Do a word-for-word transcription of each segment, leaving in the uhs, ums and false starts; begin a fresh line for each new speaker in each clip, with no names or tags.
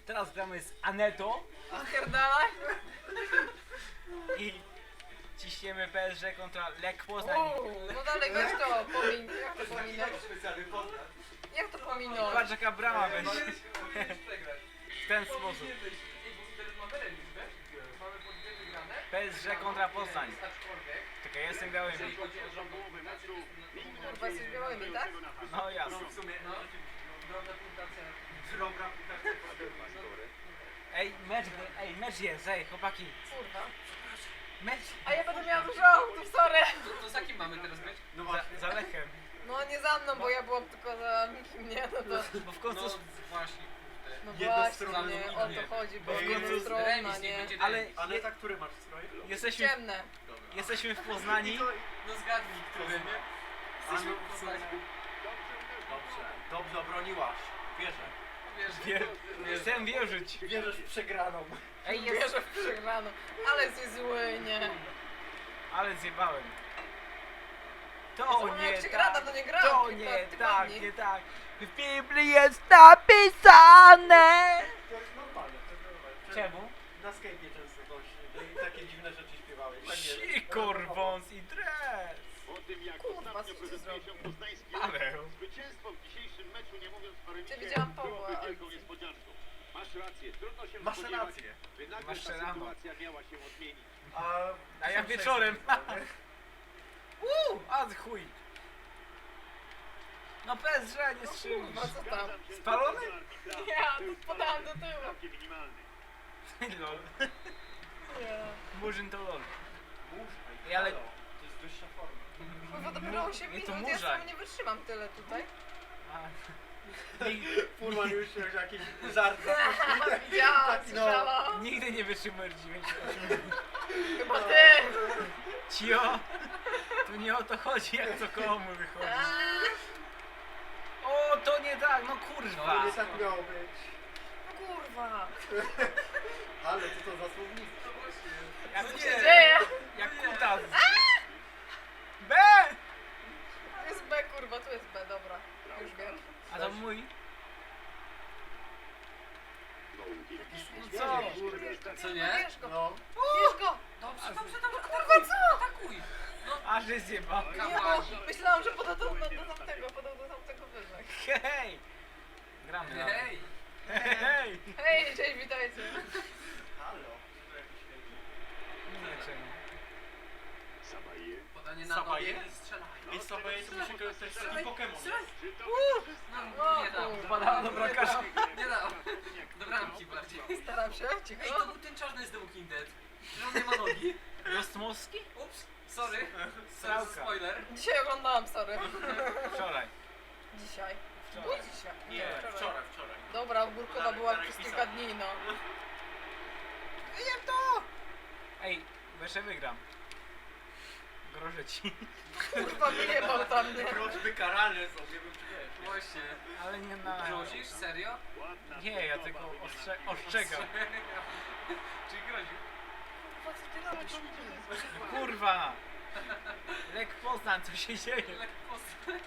Teraz gramy z Anetą
Pierdalaj.
i ciśniemy P S G kontra Lech Poznań.
Uuu, no dalej weź to, pomin... Jak to pominąć? Jak to pominąć?
Patrz jaka brama będzie. W ten sposób. P S G kontra Poznań. Czekaj, jestem białymi.
Kurwa, jesteś białymi, tak?
No jasne. Ej, mecz, ej, mecz jest, ej, chłopaki.
Kurwa.
Mecz
A ja będę miała dużo autów, sorry.
To z jakim mamy teraz być?
za, za Lechem.
No nie za mną, bo ja byłam tylko za nikim, nie? No to...
Bo w końcu...
No właśnie, kurde.
No
Jednostronnie
właśnie, o
nie.
to chodzi, bo
Bo w końcu
jednostronna,
remis nie
nie?
będzie
Ale
remis.
Ale tak, który masz strój?
jesteśmy,
Ciemne.
jesteśmy w Poznani.
No zgadnij, który, nie?
A no,
Jesteśmy
w
w
sumie.
Poznaniu.
Dobrze, dobrze obroniłaś. Wierzę.
Wiesz,
Wie, chcę wierzyć.
Wierzysz w przegraną.
Ej, jest...
Wierzę w przegraną. Ale jesteś zły, nie?
Ale zjebałem. To
Zapomniałem,
nie
jak się
tak.
gra, dawno nie grałam,
To
kilka
nie
tygodni.
tak, nie tak. W Biblii jest napisane.
To jest normalne, to jest normalne.
Czemu?
Na skejpie często coś, i takie dziwne rzeczy śpiewałeś. Tak jest.
Sikor, wąs i dres.
O tym, jak
Kurwa,
ostatnio
co ty
prezentuje się poznański
Ale...
zwycięstwo w dzisiejszym meczu, nie mówiąc o remisie,
Ja widziałam Pawła,
byłoby
ale-
wielką niespodzianką. Masz rację, trudno się
Masz
spodziewać,
rację.
by nagle
Masz
ta
rano.
sytuacja miała się odmienić.
A,
A ja wieczorem. Uuu, a chuj. No P S G nie strzelisz.
Kurwa, co tam?
Zgadzam się z
Spalony?
decyzją arbitra.
Ja,
Był
to podałam do
spalony,
tyłu.
całkiem minimalny.
Lol.
Nie.
Murzyn to lol.
Mórz,
Ej, ale-
halo, to jest wyższa forma.
Kurwa, dopiero osiem
Nie, to
minut, ja
murzaj.
sam nie wytrzymam tyle tutaj.
A. Nigdy,
Furman już się jakiś żart
Widziałam,
Taki, no.
słyszałam.
nigdy nie wytrzymujesz dziewięć minut.
Chyba ty.
Cio! Tu nie o to chodzi, jak to komu wychodzi. O, to nie tak, no kurwa.
To nie tak miało być.
No kurwa.
Ale co to za słownictwo?
Jak,
Co się dzieje?
jak kutas. B!
To jest B, kurwa, tu jest B, dobra. Już wiem.
A to mój?
No
co?
Co nie?
Bierz go,
No.
bierz go.
Dobrze, dobrze, dobrze,
Kurwa, co?
atakuj!
Aż jest zjeba.
Nie, bo myślałam, że podał do, do, do tamtego, podał do tamtego wyżej.
Hej! Gramy na.
Hej!
Hej!
Hej, cześć, witajcie.
Halo.
Nie czemu.
Sabaje.
Podanie na
Sabaje?
nogę i strzelaj.
I sobie to musi to jest taki Pokémon.
Czy to
No, nie dam.
Wpadała do bramkarza.
Nie dam. Do bramki bardziej.
Staram się,
Ej, to
cicho.
był ten czarny z The Walking Dead. Że on nie ma nogi.
Rostmowski?
Ups, sorry.
Srałka.
Spoiler.
Dzisiaj oglądałam, sorry.
Wczoraj.
Dzisiaj. Było
Wczoraj.
dzisiaj.
Nie, wczoraj, wczoraj.
Dobra, ogórkowa była
Darek
przez
pisał.
kilka dni, no.
Jak to? Ej, bo jeszcze wygram. Grożę ci.
Kurwa, wyjebał tam mnie.
Prośby karalne są, nie wiem czy wiesz.
Właśnie.
Ale nie na...
Grozisz? Serio?
ładna
Nie, ja tylko ostrze ostrzegam.
Czyli groził.
Kurwa, co ty robisz?
Kurwa! Lech Poznań, co się dzieje?
Lekko.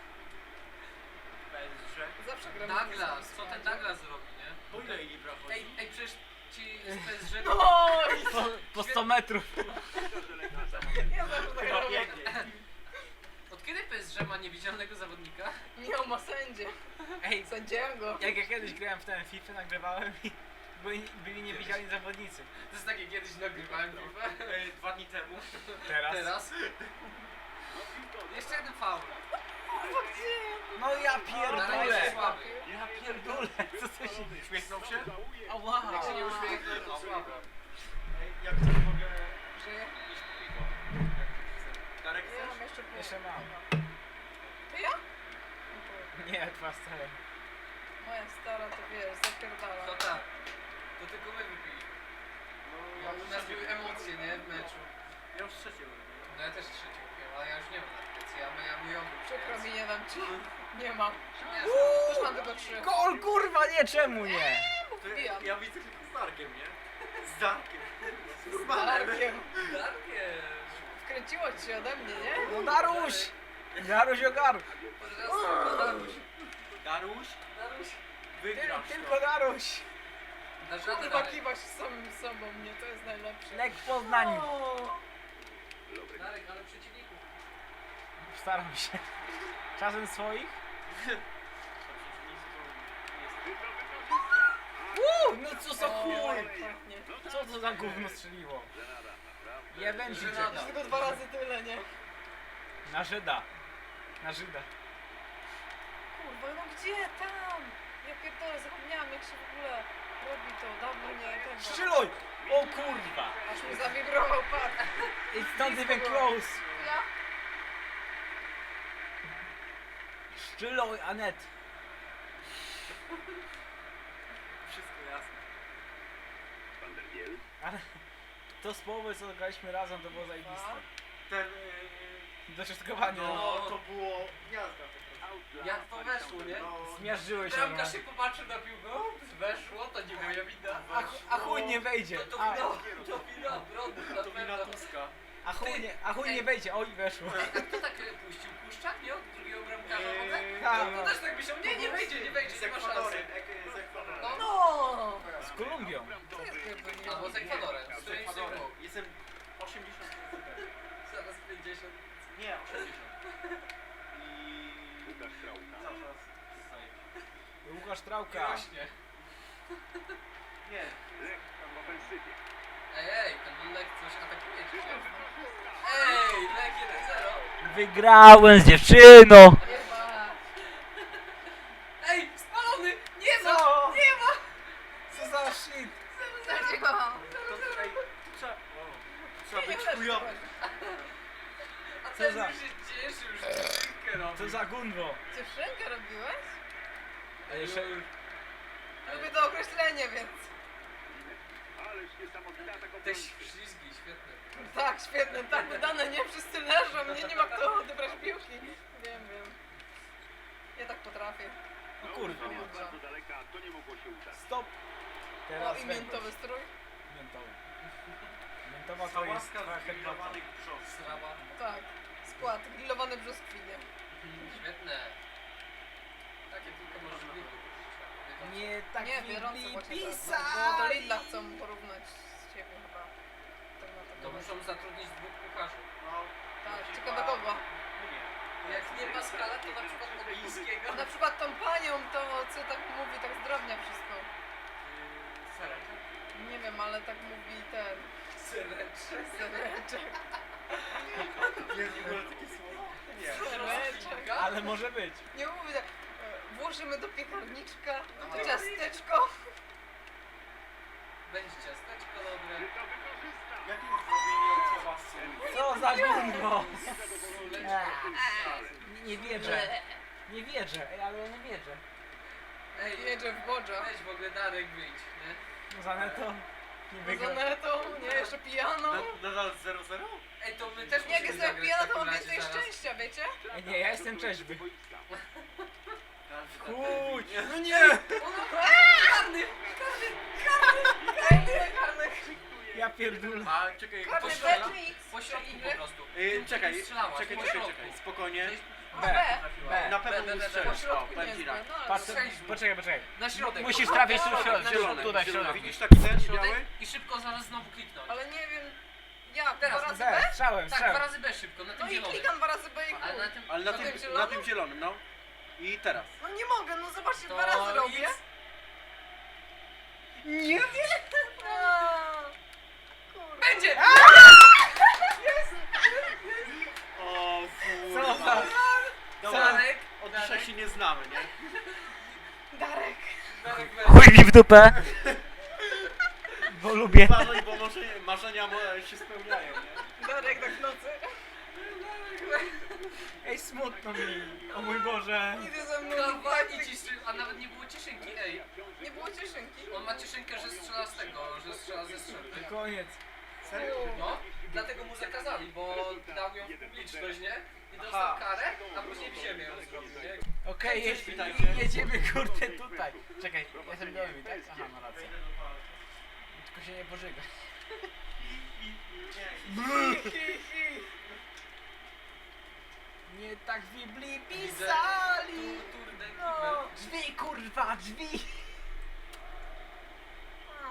Będzie.
Zawsze gram.
Douglas, co ten Douglas zrobi, nie?
Po ile jej brawo?
Ej, ej, przecież ci z P S G...
Oj!
Po, po sto metrów.
Ja zawsze tak
Chyba
robię.
biegnie.
Od kiedy P S G ma niewidzialnego zawodnika?
Nie, on ma sędzie.
Ej,
Sędziego.
jak ja kiedyś grałem w ten FIFA, nagrywałem i byli, byli niewidzialni zawodnicy.
To jest takie kiedyś nagrywałem FIFA.
Ej, Dwa dni temu.
Teraz?
Teraz? Jeszcze jeden faul.
Kurwa, gdzie?
No ja
Darek
pierdolę!
jest słaby.
Ja pierdolę! Co to się...
Uśmiechnął się?
Ała!
Jak się nie uśmiechnął, to słabo.
Ej, jak coś mogę
Żyje?
iść po piwo. Jak chcesz. Darek
Ja mam
chcesz?
jeszcze pół.
Jeszcze mam.
To ja?
Nie, dwa stare.
Moja stara to wiesz, zapierdala.
To tak. To tylko my wypili.
No,
Bo u nas były emocje, nie? W meczu.
Ja już trzecie mówię.
No ja też trzeci kupiłem, ale ja już nie mam na plecy. Ja, ja mój obrót.
Przykro mi, nie dam ci. Nie mam.
Nie,
Już mam tylko trzy.
Gol, kurwa, nie, czemu nie?
To
Wbijam.
ja widzę tylko z Darkiem, nie? Z Darkiem. Z
Z
Urbanem.
Darkiem.
Darkierz.
Wkręciło ci się ode mnie, nie?
No Daruś! Daruś ogar!
Od razu Daruś.
Daruś,
Daruś.
wygrasz
Tylko
to.
Daruś!
Dasz radę
Kurwa,
dalej.
kiwasz z samym sobą, nie? To jest najlepsze.
Lek w Poznaniu.
O,
Lorek.
Darek, ale przeciwników.
Staram się. Czasem swoich?
Ty to wykorzysta.
Uuu, no co za
o,
chuj!
jak pachnie.
Co to za gówno strzeliło?
Żenada, naprawdę.
Jeden
Żenada.
Żydek.
Tylko dwa razy tyle, nie?
Na Żyda. Na Żyda.
Kurwa, no gdzie tam? Ja pierdolę, zapomniałam jak się w ogóle robi to. Dawno nie tego.
Strzeloj! O kurwa!
Aż mi zawibrował, patrz.
It's not even close!
Ja?
Strzeloj, Anet!
Wszystko jasne.
Van der Biel.
Ale to z połowy co graliśmy razem to było zajebiste.
Ten... Yy,
Dośrodkowanie.
no,
No.
to było gniazda po prostu.
Out dla
Jak to weszło, nie?
No,
Zmiażdżyłeś się.
Bramkarz się
normalnie.
popatrzył na piłkę, ups, weszło, to nie moja wina.
A, chu- a chuj nie wejdzie.
To, to
A,
wina, to wina Brody, na
to wina
pewno.
Tuska.
a chuj nie, a chuj
Ej.
nie wejdzie. Oj, weszło.
A kto tak e, puścił? Puszczak, nie? Od drugiego bramkarza w ogóle?
Eee,
Ha,
No
no.
też tak myślał, nie, nie wejdzie, nie wejdzie,
Z
nie ma szansy.
Ekwadorem. ek- Z Ekwadorem.
No.
No!
Z Kolumbią.
To jest pierdolnięcie.
Albo z Ekwadorem, z
Z
którymś z
Ekwadorem.
nich
Jestem osiemdziesiąt procent pewien.
Zaraz pięćdziesiąt.
Nie, osiemdziesiąt. I...
Łukasz Trauka.
Cały czas save.
Łukasz
I
Trauka.
rośnie.
Nie.
Lech w ofensywie.
Ej, ej, ten Lech coś atakuje dzisiaj. Ej, Lech jeden zero.
Wygrałem z dziewczyną.
Chyba.
Ej, spalony! Nie ma!
Co?
Nie ma!
Co za shit?
Zadziałam.
To, ej, tu trzeba... O, tu trzeba
Nie,
być
nie,
chujowy.
A
Co
ten
za-
już się cieszył, że dziewczynkę robi.
Co za gunwo?
Dziewczynkę robiłeś?
Jeszcze...
Lubię to określenie, więc...
Ależ niesamowita taka
Te ślizgi, świetne.
Tak, świetne, tak wydane, nie? Wszyscy leżą, nie, nie ma kto odebrać piłki. Wiem, wiem. Ja tak potrafię.
No kurwa.
No, bardzo daleka, to nie mogło się udać.
Stop.
O,
Teraz
i
Węgorz.
miętowy strój.
Miętowy. Miętowa to jest
Sałaska
twoja
z
herbata.
grillowanych brzosk.
Sraba.
Tak. Skład, grillowane brzoskwinie.
Świetne. Takie tylko możesz mieć.
Nie tak
Nie,
mi
bieżąco właśnie tak.
pisali.
Bo do Lidla chcą porównać z ciebie chyba. Tak na
To
pewno.
muszą zatrudnić dwóch kucharzy.
No,
Tak,
na
ciekawe
przykład-
kogo.
Mnie.
Jak nie Pascala, to na przykład Oblińskiego.
Na przykład tą panią, to co tak mówi, tak zdrownia wszystko.
Yy, Serek.
Nie wiem, ale tak mówi ten
Sereczek.
sereczek.
Jest w ogóle takie słowo? Nie.
Sereczek.
Ale może być.
Nie mówi tak. e, Włożymy do piekarniczka to ciasteczko.
Będzie ciasteczko dobre.
Czy to wykorzysta?
Jakie zrobienie od słowa sól?
Co za gunwo?
Sóleczko.
Nie, nie wierzę. Nie wierzę. Ej, ale ja nie wierzę.
Ej,
Jedzie w Bodża.
weź w ogóle Darek wyjdź, nie?
No za neto. Nie
Z
wygra.
Anetą, nie, jeszcze pijano.
Na- Nadal zero zero?
Ej, to my też
Jak
musimy
jestem
zagrać w
pijana, to
takim
mam
razie
więcej
zaraz.
szczęścia, wiecie?
Ej, nie, ja jestem trzeźwy.
Boiska.
Chuj.
No nie!
Karny!
Karny, karny.
Ja pierdolę.
A czekaj,
Karny
po,
strzela?
Betmix.
Po środku po prostu.
yy, czekaj,
Strzelałaś,
czekaj,
po
czekaj,
środku.
czekaj, spokojnie.
A,
B.
B.
B.
Na pewno
B, B,
nie
B,
strzelisz.
Po środku
O, powiem
nie
ci
jest
tak.
B, no ale
Patrz,
Strzeliśmy.
poczekaj, poczekaj.
Na środek.
Musisz trafić tu w środek.
Na
Zielony,
środek,
tutaj w
zielony.
środek.
Widzisz taki ten
Środek
biały?
i szybko zaraz znowu kliknąć.
Ale nie wiem. Jak?
Teraz
Dwa razy
B,
B?
strzałem,
Tak, dwa
strzałem.
razy B szybko, na tym
No i
zielonym.
klikam dwa razy B i
Ale na
chuj.
tym...
Ale na
Na
tym,
tym
na
zielonym?
tym zielonym, no. I teraz.
No nie mogę, no zobaczcie,
To
dwa razy robię.
X.
Nie wiem. A, kurde.
Będzie!
O,
Co
kurwa.
za...
Dobra,
Darek!
od dzisiaj
Darek,
się nie znamy, nie?
Darek.
Darek, weź.
Chuj mi w dupę. Bo lubię.
Uważaj, bo może marzenia mo- się spełniają, nie?
Darek tak w nocy.
Ej, smutno mi. O mój Boże.
Idzie ze mną.
Kawani ciszy, a nawet nie było cieszynki, ej.
Nie było cieszynki.
On ma cieszynkę, że strzela z tego, że strzela ze strzelby.
Koniec.
Serio?
No, dlatego mu zakazali, bo dał ją w publiczność, nie? I dostał
Aha.
karę, a później w ziemię ją zrobił, nie?
Okej,
Cześć,
je-
witajcie.
jedziemy kurde tutaj. Czekaj, ja jestem gołymi, tak? Aha, ma rację.
Wejdę do toalety.
Tylko się nie pożyga.
Nie.
Nie tak w Biblii
Widzę.
pisali.
Tu, turde,
No,
kibel.
drzwi kurwa, drzwi.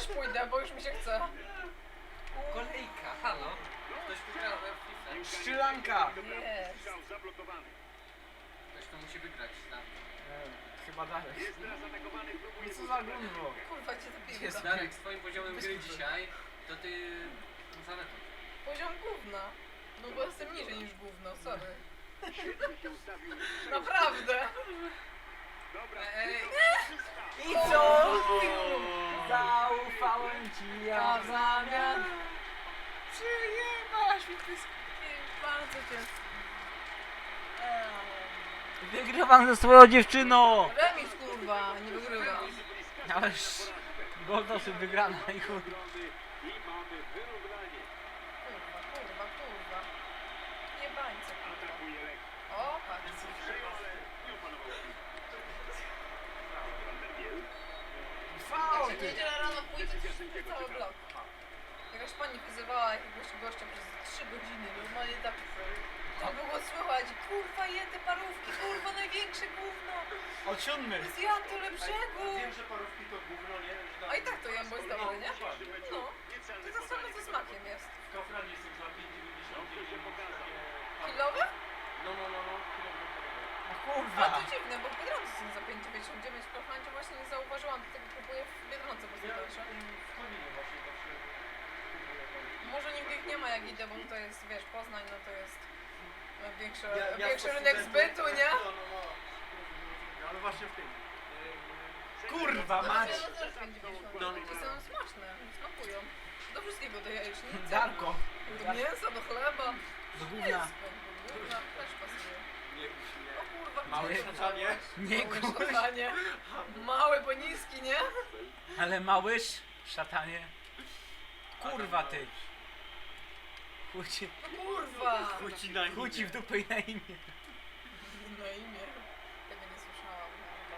pójdę, bo już mi się chce.
Kolejka, halo. Ktoś wygrał w FIFA.
Szczylanka!
Jest.
Strzał zablokowany.
Ktoś to musi wygrać. Tak.
E, Chyba dalej.
Jest teraz atakowany, próbuje...
No co za gówno?
Kurwa cię ta
Jest.
piłka.
Darek, z twoim poziomem
Bez
gry
kitu.
dzisiaj, to ty... Zaletą.
Poziom gówna. No bo jestem niżej niż gówno, sorry.
Świetnie się ustawił.
Naprawdę.
Dobra,
Ej,
I co? Zaufałem ci ja
A
w
w
zamian.
zamian.
Przyjemasz mi pysk.
Bardzo cię.
Wygrywam ze swoją dziewczyną!
Remis kurwa, nie wygrywam.
Ależ gol dosyć wygrana i chuj.
I mamy wyrównanie.
Kurwa, kurwa, kurwa. Jebańce kurwa.
Atakuje Lech.
O, patrz.
Przejął, ale nie opanował piłki. Van der Biel.
Faul!
Jak się niedzielę rano pójdzie, to cały blok. Jakaś pani wyzywała jakiegoś gościa przez trzy godziny, normalnie tak... Tak było słychać, kurwa je te parówki, kurwa największe gówno.
Od siódmy.
Zjadł to lepszego.
Wiem, że parówki to gówno, nie? Że
A i tak to jem, bo jest dobre, nie?
W dzisiejszym meczu
No.
niecelne
To tak samo
podanie
ze
do
smakiem jest.
W Kauflandzie są za pięć dziewięćdziesiąt
Dobrze się pokazał.
Kilowe?
No, no, no, no. kilogram.
No
A
kurwa!
to dziwne, bo w Biedronce są za pięć dziewięćdziesiąt dziewięć, w Kauflandzie właśnie nie zauważyłam, dlatego kupuję w Biedronce, bo są
Ja
tańsze.
w Koninie właśnie zawsze kupuję tam.
Może nigdy ich nie ma jak idę, bo to jest, wiesz, Poznań, no to jest no, większy,
Ja- ja
większy
jako
rynek
student-
zbytu, nie?
No, no, no. Ale właśnie w tym.
Kurwa
No,
mać!
ja też pięć dziewięćdziesiąt.
No, no,
I
no.
są smaczne, smakują. Do wszystkiego, do jajecznicy,
Darko!
do mięsa, do chleba.
Do gówna!
Wszystko, do gówna też pasuje.
Nie kuś, nie.
O kurwa,
Małe
gdzie to
szatanie?
wziąłeś?
Nie
Małe
kuś.
szatanie. Mały, bo niski, nie?
Ale małyż, szatanie. Kurwa ty! Chuj ci,
No kurwa.
Chuci na
chuj ci w dupę i na imię.
Na imię. Tego nie słyszałam.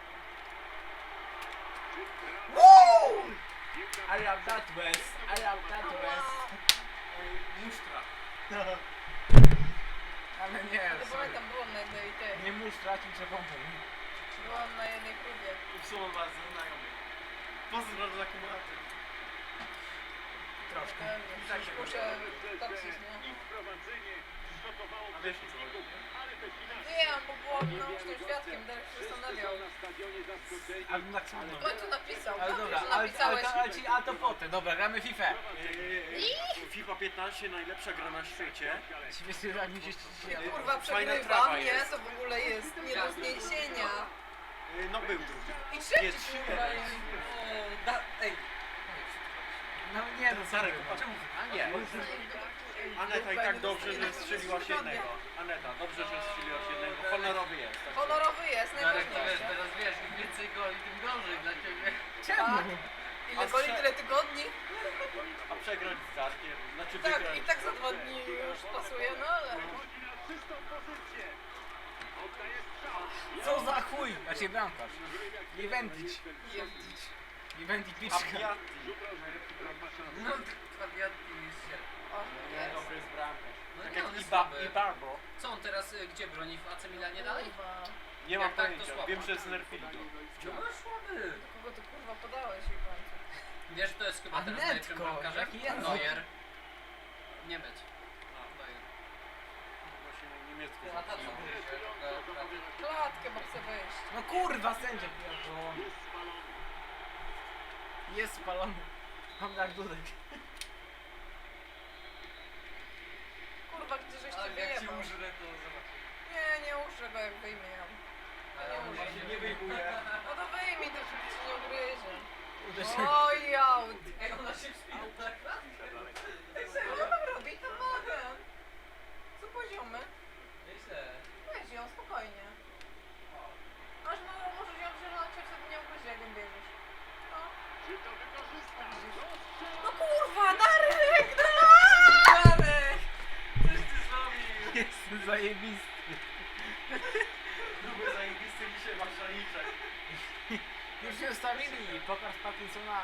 I love that West, I love that West.
Musztra.
Ale nie,
Ale
sorry.
pamiętam, byłam na jednej tej.
Nie musztra, ci przepomnę.
Byłam na jednej próbie.
Usuwam was ze znajomych. Pozdro za kumulację.
Troszkę.
Pewnie, już muszę toczyć, nie?
Ich prowadzenie zszokowało
A wiesz, o co
przeciwników, ale te finanse...
Wiem, bo byłam naocznym świadkiem, Darek się zastanawiał.
na stadionie zaskoczeni.
Ale tak smutno.
W końcu napisał.
Ale
Dobrze,
dobra,
że
ale, ale,
napisałeś.
ale, ci, a to potem. Dobra, gramy FIFA.
FIFA piętnaście najlepsza gra na świecie.
Śmiesznie, jak mi się ściśle.
Kurwa,
Fajna
przegrywam,
trawa
nie?
jest.
To w ogóle jest nie do zniesienia.
No był drugi.
I trzeci
Jest
kurwa
świetny.
jest.
O, da, ej.
No nie, no
Zarek,
sorry.
popatrz.
Czemu? A nie.
Aneta i tak dobrze, że strzeliłaś jednego. Aneta, dobrze, że strzeliłaś jednego. Honorowy jest. tak.
Honorowy jest,
Darek, to wiesz,
najważniejsze.
teraz wiesz, im więcej goli, tym gorzej dla ciebie.
Czemu?
Tak. Ile goli, tyle tygodni?
A przegrać z Zarkiem, znaczy
Tak,
wygrać.
i tak za dwa dni już pasuje, no ale...
Wychodzi na czystą pozycję. Oddaje strzał.
Co za chuj? Znaczy bramkarz. Liwendić.
Jebdić.
Liwendić
A
piczka.
Piatti.
No, wariatki się.
O, jest.
Dobry jest bramkarz.
No
Tak
nie, on
jak
jest
i, ba
słaby.
i Barbo.
Co on teraz, y, gdzie broni? W A C Milanie dalej?
Kurwa.
Nie mam
Jak tak, to
pojęcia,
słabo.
wiem, że znerfili go.
No słaby.
Kogo ty kurwa podałeś i końcu?
Wiesz, kto jest chyba teraz
Anetko,
najlepszym bramkarzem?
jaki język.
Neuer. Nie być. Neuer.
Właśnie niemiecki.
A ta co mówi się?
Klatkę, bo chcę wejść.
No kurwa, sędzia pierdolony.
Jest spalony.
Jest spalony. Mam jak dudek.
Kurwa, gdzie żeś ty
Ale jak ci
wyjebał?
użrę, to zobacz.
Nie, nie użę go jak wyjmie ją.
Ale on
użę.
się
Nie wyjmuje.
No to wyjmij, to się ci nie ugryzie.
Uderzyłem.
Oj, aut.
Ej, ona się wspina tak?
Ej, serio, ona robi to mogę. Co poziomy?
Nieźle.
Weź ją, spokojnie. Aż no, możesz ją wziąć, a wtedy nie ugryzie, jak ją bierzesz. No.
Czy to wykorzysta?
No kurwa, Darek! No!
Darek! Coś ty zrobił!
Jestem zajebisty.
Lubię zajebisty dzisiaj masz szaliczek.
Już się ustawili. Pokaż Parkinsona.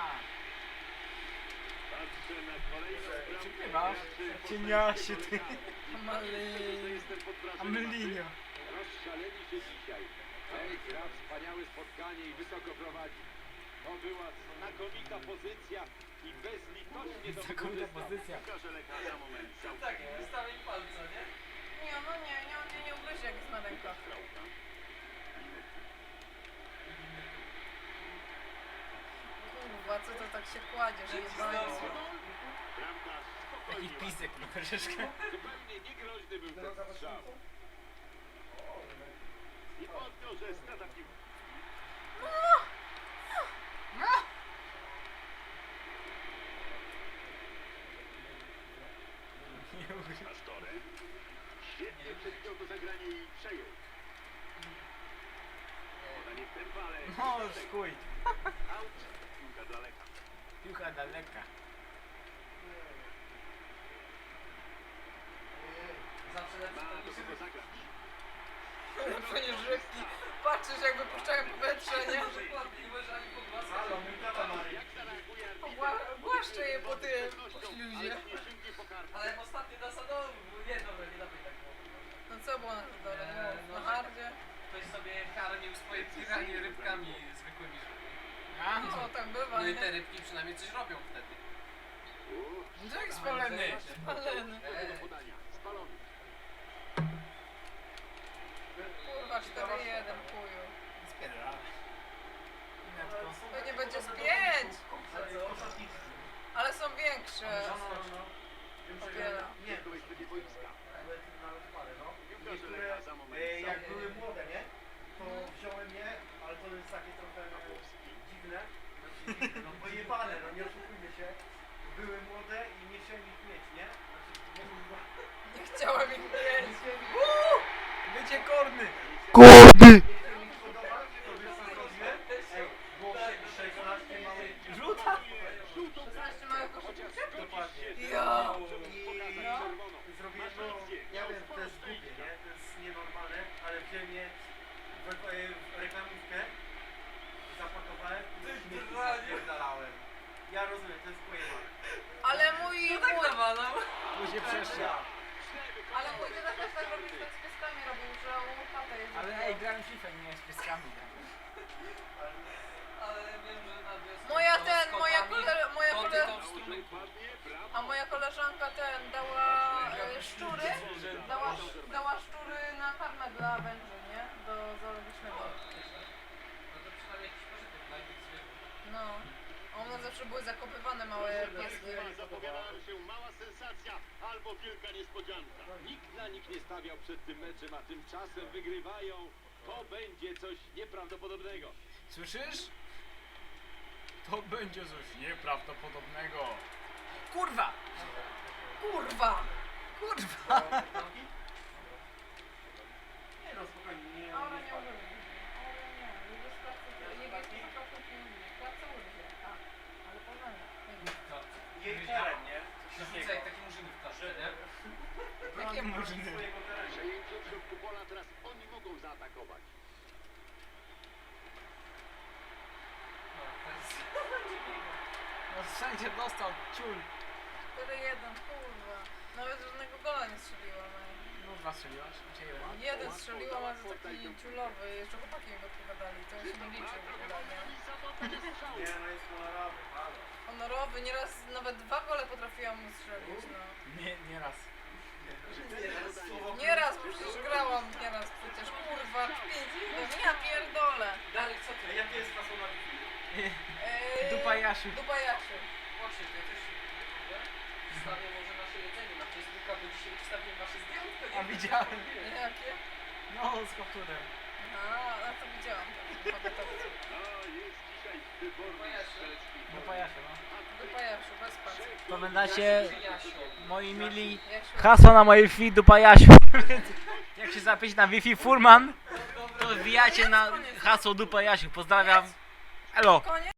Patrzę na kolejną bramkę.
Przykrywasz?
Graczy
Cieniasie ty.
Malej.
To jestem pod wrażeniem.
Amelinio.
Rozszaleli się dzisiaj. Ej, gra wspaniałe spotkanie i wysoko prowadzi. To była znakomita pozycja i bezlitośnie to
Znakomita
wykorzystał.
pozycja.
Piłkarze Lecha za moment
Tak, wystawię palca, nie?
Nie, no nie, nie, nie, nie ugryzie jak jest na rękach.
Krałka.
Kurwa, co to tak się kładzie, że jest bańcu.
Bramkarz
Taki
spokojnie.
pisek na troszeczkę.
Zupełnie niegroźny był ten strzał. I odkrył, że strata piłki.
Nie ugryź.
Pastore. Świetnie przewidział to zagranie i przejął. Podanie w tempo, ale...
No, skuj.
Out. Piłka dla Lecha.
Piłka daleka.
Zawsze lepszy
Ma
to
do
niż
kogo zagrać.
Lepsze niż rybki. Patrzysz jak wypuszczają powietrze, nie?
Dokładnie, nie możesz ani pogłaskać.
Halo, mój tata ma.
Jak zareaguje arbiter?
Ogła- Ogłaszczę je po tym, po
Ale
śluzie.
nie sięgnie po kartę.
Ale ostatnio na sadowy, nie dobra, nie dawaj tak było.
No co było na to dole?
Eee,
No,
no,
na
że-
hardzie?
Ktoś sobie karmił swoje piranie rybkami zwykłymi, żeby...
A,
No tak bywa,
No i te
nie?
rybki przynajmniej coś robią wtedy.
Uff,
no jak spalony.
Paleny.
do podania. Spalony.
Kurwa, cztery jeden, chuju.
Spierdala. Netko.
To nie będzie z pięć!
Ostatni.
Ale są większe.
No, no, no. Wiem, że
Popiera.
nie,
W kogoś będzie boiska.
nawet, nawet parę, no.
Piłkarze
Niektóre,
Lecha za moment.
e, jak
są-
były młode, nie? To wziąłem je, ale to jest takie trochę dziwne. Znaczy dziwne, no pojebane, no nie oszukujmy się. Były młode i nie chciałem ich mieć, nie? Znaczy, nie kurwa.
Nie chciałem ich mieć.
Nie chciałem ich
Bycie korny.
nie chciałem ich podobać, to wiesz co zrobiłem? Ej, było szesnaście małych
Rzuta.
szesnaście małych
Chociaż
koszyczek?
Dokładnie.
Ja.
I
No.
zrobiłem, no, ja wiem, to jest głupie, nie? To jest nienormalne, ale wziąłem je w, w reklamówkę, zapakowałem i do śmieci zapierdalałem. Ja rozumiem, to jest pojebane.
Ale mój...
No tak
mój
nawalał.
Później przeszło.
Ja.
ale mój dziadek też tak robił, że tak z pieskami robił, że u chatę jeździł.
Ale ej, grałem w FIFA, nie z pieskami.
Ale wiem, że na wiosnę
Moja
to
ten,
z
moja
kotami,
kole, moja
koty
kole,
to w strumyku.
a moja koleżanka ten dała e, szczury, dała, dała szczury na karmę dla węży, nie? Do zoologicznego.
No to przynajmniej jakiś pożytek dla innych zwierząt.
No. A one zawsze były zakopywane małe pieski.
Zapowiadała się mała sensacja albo wielka niespodzianka. Nikt na nich nie stawiał przed tym meczem, a tymczasem wygrywają. To będzie coś nieprawdopodobnego.
Słyszysz? To będzie coś nieprawdopodobnego. Kurwa!
Kurwa!
Kurwa!
Nie no, spokojnie, nie,
Aura
nie
nie
spadł.
używa. Aura nie. Jego sprawcy, jego sprawcy pieniędzy. Klatce użyje. A, ale porządnie.
Jej teren, nie?
Rzucaj jak taki murzyny w klaszcze, nie?
Jakie murzyny?
Swojego terenu.
Przejęcie w środku pola, teraz oni mogą zaatakować.
No, to jest...
No wszędzie dostał ciul.
cztery jeden, kurwa. Nawet żadnego gola nie strzeliłam. ej.
No dwa strzeliłaś? Gdzie jeden?
Jeden strzeliłam, ale to taki ciulowy. Jeszcze chłopaki mi podpowiadali. To się nie liczy w ogóle, nie?
Nie, no jest honorowy, halo.
Honorowy, nieraz nawet dwa gole potrafiłam mu strzelić, no.
Nie, nie raz.
Nieraz, bo przecież grałam nieraz przecież, kurwa, pięć jeden, ja pierdolę.
Darek, co ty?
A jakie jest hasło na Wi-Fi?
Eee,
Dupa Jasiu.
Dupa Jasiu.
Właśnie, to ja też się mówię. Wstawię może nasze jedzenie na Facebooka, bo dzisiaj wstawiłem wasze zdjętko, nie?
A widziałem.
Jakie?
No, z kapturem.
A, a to widziałam. To pamiętam.
A jest dzisiaj wyborny strzelecki.
Dupa Jasiu, no.
Dupa Jasiu, bez pacy.
Pamiętacie,
Jasiu.
moi mili,
Jasiu.
hasło na moje Wi-Fi Dupa Jasiu. Jak się zapić na Wi-Fi Furman, to wbijacie na hasło Dupa Jasiu. Pozdrawiam. Elo.
Koniec?